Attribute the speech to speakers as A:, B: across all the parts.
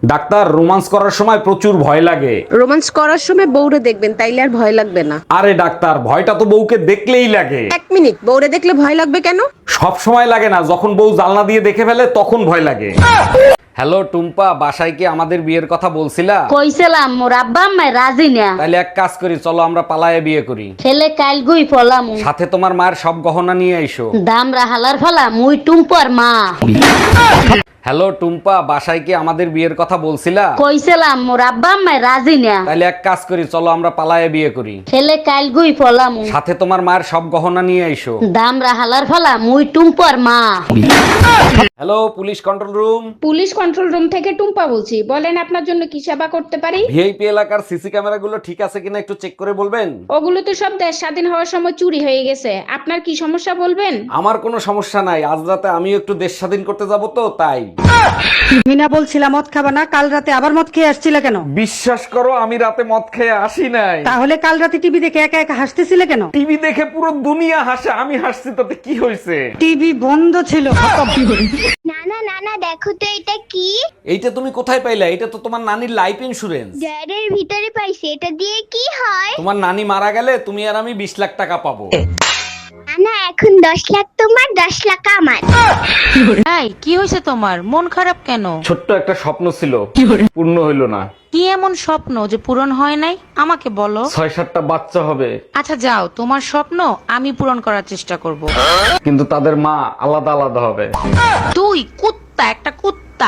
A: Doctor, romance করার সময় প্রচুর ভয় লাগে।
B: রোমান্স করার সময় বউরে দেখবেন, তাইলে আর ভয় লাগবে না।
A: আরে ডাক্তার, ভয়টা তো বউকে দেখলেই লাগে।
B: এক মিনিট, বউরে দেখলে ভয় লাগবে কেন?
A: সব সময় লাগে না, যখন বউ জানলা দিয়ে দেখে ফেলে তখন ভয় লাগে। হ্যালো টুম্পা, বাসায় কি আমাদের বিয়ের কথা বলছিলা?
C: কইছিলাম মোর আব্বা আম্মা রাজি না।
A: তাইলে এক কাজ করি, চলো আমরা পালায়ে বিয়ে করি।
C: ছেলে কাল গুই ফলাম,
A: সাথে তোমার মায়ের সব গহনা নিয়ে আইসো।
C: দামরা হালার ফলা মুই টুম্পর মা।
A: হ্যালো টুম্পা, বাসায় কি আমাদের বিয়ের কথা বলছিলা?
C: কইছিলাম মোর আব্বা আম্মা রাজি না।
A: তাইলে এক কাজ করি, চলো আমরা পালায়ে বিয়ে করি।
C: ছেলে কাল গুই ফলাম,
A: সাথে তোমার মায়ের সব গহনা নিয়ে আইসো।
C: দামরা হালার ফলা মুই টুম্পর মা।
A: Hello police control room.
D: Police control room থেকে টুম্পা বলছি, বলেন আপনার জন্য কি সেবা করতে পারি।
A: ভিআইপি এলাকার সিসি ক্যামেরাগুলো ঠিক আছে কিনা একটু চেক করে বলবেন?
D: ওগুলো তো সব দেশ স্বাধীন হওয়ার সময় চুরি হয়ে গেছে, আপনার কি সমস্যা বলবেন।
A: আমার কোনো সমস্যা নাই, আজ রাতে আমিও একটু দেশ স্বাধীন করতে যাব তো তাই।
E: তুমি না বলছিলা মদ খাবা না, কাল রাতে আবার মদ খেয়ে আসছিলে কেন?
A: বিশ্বাস করো, আমি রাতে মদ খেয়ে আসি নাই।
E: তাহলে কাল রাতে টিভি দেখে একা একা হাসতেছিলে কেন?
A: টিভি দেখে পুরো দুনিয়া হাসে, আমি হাসছি তাতে কি হয়েছে?
E: টিভি বন্ধ ছিল।
F: নানা নানা দেখো তো এটা কি?
A: এইটা তুমি কোথায় পাইলা? এটা তো তোমার নানির লাইফ ইন্সুরেন্স।
F: জারের ভিতরে পাইছি, এটা দিয়ে কি হয়?
A: তোমার নানি মারা গেলে তুমি আর আমি 20 লাখ টাকা পাবো।
F: নানা এখন 10 লাখ তোমার, 10 লাখ আমার।
G: এই কি হয়েছে তোমার? মন খারাপ কেন?
A: ছোট্ট একটা স্বপ্ন ছিল, পূর্ণ হইল না।
G: কি এমন স্বপ্ন যে পূরণ হয় নাই আমাকে বলো।
A: 6-7টা বাচ্চা হবে,
G: আচ্ছা যাও, তোমার স্বপ্ন আমি পূরণ করার চেষ্টা করব।
A: কিন্তু তাদের মা আলাদা আলাদা হবে।
G: তুই কুত্তা, একটা কুত্তা।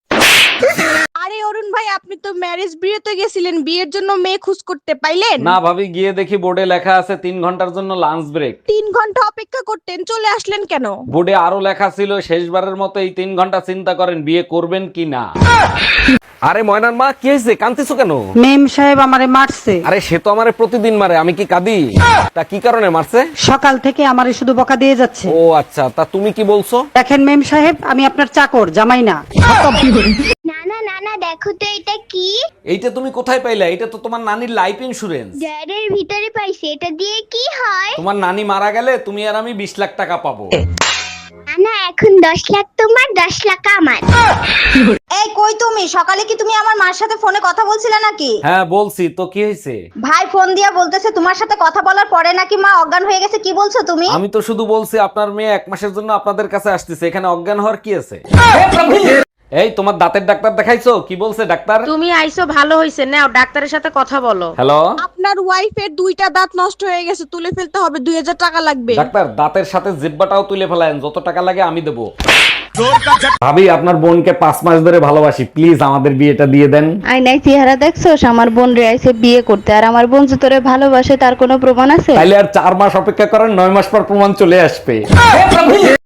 B: আরে অরুণ ভাই, আপনি তো ম্যারেজ বিয়েতে গেছিলেন, বিয়ের জন্য মেয়ে খুঁজ করতে পাইলেন?
A: না ভাবি, গিয়ে দেখি বোর্ডে লেখা আছে 3 ঘন্টার জন্য লাঞ্চ ব্রেক।
B: 3 ঘন্টা অপেক্ষা করতেন, চলে আসলেন কেন?
A: বোর্ডে আরো লেখা ছিল শেষবারের মতো এই 3 ঘন্টা চিন্তা করেন বিয়ে করবেন কি না। আরে ময়নার মা, কি হয়েছে? কাঁদতেছো কেন?
E: মেম সাহেব আমারে মারছে।
A: আরে সে তো আমারে প্রতিদিন মারে, আমি কি কাঁদি? তা কি কারণে মারছে?
E: সকাল থেকে আমারে শুধু বকা দিয়ে যাচ্ছে।
A: ও আচ্ছা, তা তুমি কি বলছো?
E: দেখেন মেম সাহেব, আমি আপনার চাকর, জামাই না।
F: নানা নানা দেখো তো এটা কি?
A: এইটা তুমি কোথায় পাইলা? এটা তো তোমার নানির লাইফ ইন্সুরেন্স।
F: জারের ভিতরে পাইছি, এটা দিয়ে কি হয়?
A: তোমার নানি মারা গেলে তুমি আর আমি 20 লাখ টাকা পাবো।
F: নানা এখন 10 লাখ তোমার, 10 লাখ আমার।
H: এই কই তুমি? সকালে কি তুমি আমার মার সাথে ফোনে কথা বলছিলে নাকি?
A: হ্যাঁ বলছি তো, কি হয়েছে?
H: ভাই ফোন দিয়া বলতেছে তোমার সাথে কথা বলার পরে নাকি মা অজ্ঞান হয়ে গেছে। কি বলছো তুমি?
A: আমি তো শুধু বলছি আপনার মেয়ে 1 মাসের জন্য আপনাদের কাছে আসতেছে, এখানে অজ্ঞান হওয়ার কি আছে? এই তোমার দাঁতের ডাক্তার দেখাইছো? কি বলছে ডাক্তার?
G: তুমি আইছো ভালো হইছে, নাও ডাক্তারের সাথে কথা বলো।
A: হ্যালো
B: আপনার ওয়াইফের 2টা দাঁত নষ্ট হয়ে গেছে, তুলে ফেলতে হবে, 2000 টাকা লাগবে।
A: ডাক্তার, দাঁতের সাথে জিহ্বাটাও তুলে ফেলায়েন, যত টাকা লাগে আমি দেবো। ভাবি, আপনার বোনকে 5 মাস ধরে ভালোবাসি, প্লিজ আমাদের বিয়েটা দিয়ে দেন।
I: আয়নায় চেহারা দেখছোস? আমার বোন রে আইছে বিয়ে করতে, আর আমার বোন যে তোরে ভালোবাসে তার কোনো প্রমাণ আছে?
A: তাইলে আর 4 মাস অপেক্ষা করেন, 9 মাস পর প্রমাণ চলে আসবে।